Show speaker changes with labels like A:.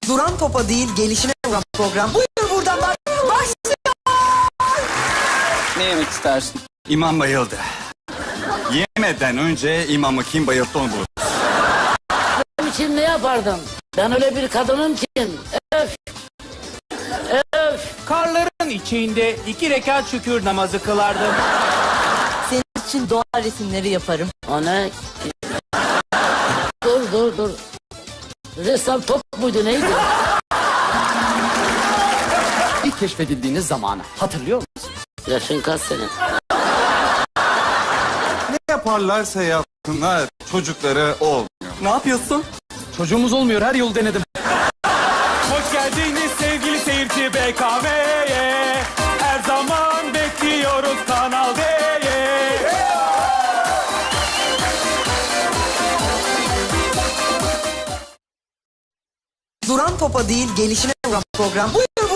A: Duran topa değil, gelişine vuran program. Buyur buradan başlıyor.
B: Ne yemek istersin?
C: İmam bayıldı. Yemeden önce imamı kim bayılttı onu bulur.
D: Benim için ne yapardın? Ben öyle bir kadınım ki. Öf. Öf.
E: Karların içinde 2 rekat şükür namazı kılardım.
A: Senin için doğa resimleri yaparım.
D: O ne? Dur. Ressam top muydu neydi?
B: İlk keşfedildiğiniz zamanı hatırlıyor musun?
D: Yaşın kaç senin?
C: Ne yaparlarsa yapsınlar çocukları olmuyor.
B: Ne yapıyorsun? Çocuğumuz olmuyor, her yolu denedim.
E: Hoş geldiniz sevgili seyirci BKM'ye. Her zaman bekliyoruz Kanal D'ye.
A: Duran topa değil, gelişine vuran program. Buyur